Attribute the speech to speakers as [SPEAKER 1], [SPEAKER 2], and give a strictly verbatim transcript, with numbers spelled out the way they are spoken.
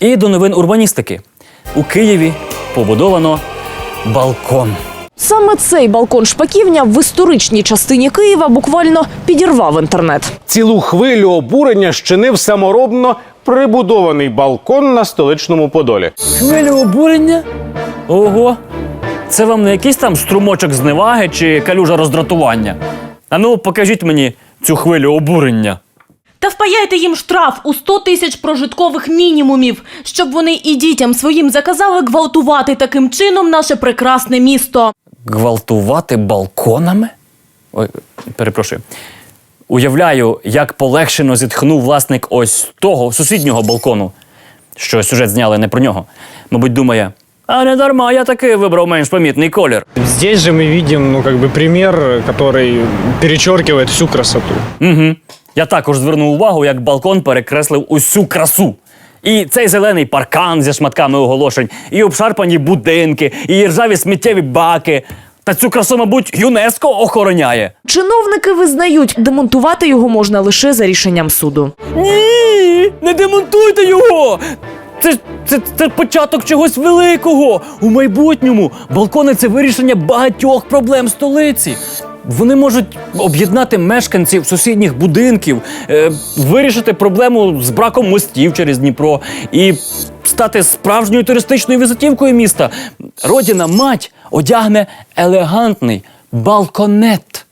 [SPEAKER 1] І до новин урбаністики. У Києві побудовано балкон.
[SPEAKER 2] Саме цей балкон Шпаківня в історичній частині Києва буквально підірвав інтернет.
[SPEAKER 3] Цілу хвилю обурення щинив саморобно прибудований балкон на столичному Подолі.
[SPEAKER 1] Хвилю обурення? Ого! Це вам не якийсь там струмочок зневаги чи калюжа роздратування? А ну, покажіть мені цю хвилю обурення.
[SPEAKER 4] Та впаяйте їм штраф у сто тисяч прожиткових мінімумів, щоб вони і дітям своїм заказали гвалтувати таким чином наше прекрасне місто.
[SPEAKER 1] Гвалтувати балконами? Ой, перепрошую. Уявляю, як полегшено зітхнув власник ось того сусіднього балкону, що сюжет зняли не про нього. Мабуть, думає, а не дарма, я таки вибрав менш помітний колір.
[SPEAKER 5] Здесь же мы видим, ну, как бы пример, который перечеркивает всю красоту.
[SPEAKER 1] Угу. Я також звернув увагу, як балкон перекреслив усю красу. І цей зелений паркан зі шматками оголошень, і обшарпані будинки, і ржаві сміттєві баки. Та цю красу, мабуть, ЮНЕСКО охороняє.
[SPEAKER 2] Чиновники визнають, демонтувати його можна лише за рішенням суду.
[SPEAKER 1] Ні, не демонтуйте його! Це, це, це початок чогось великого. У майбутньому балкони – це вирішення багатьох проблем столиці. Вони можуть об'єднати мешканців сусідніх будинків, е, вирішити проблему з браком мостів через Дніпро і стати справжньою туристичною візитівкою міста. Родина-мать одягне елегантний балконет.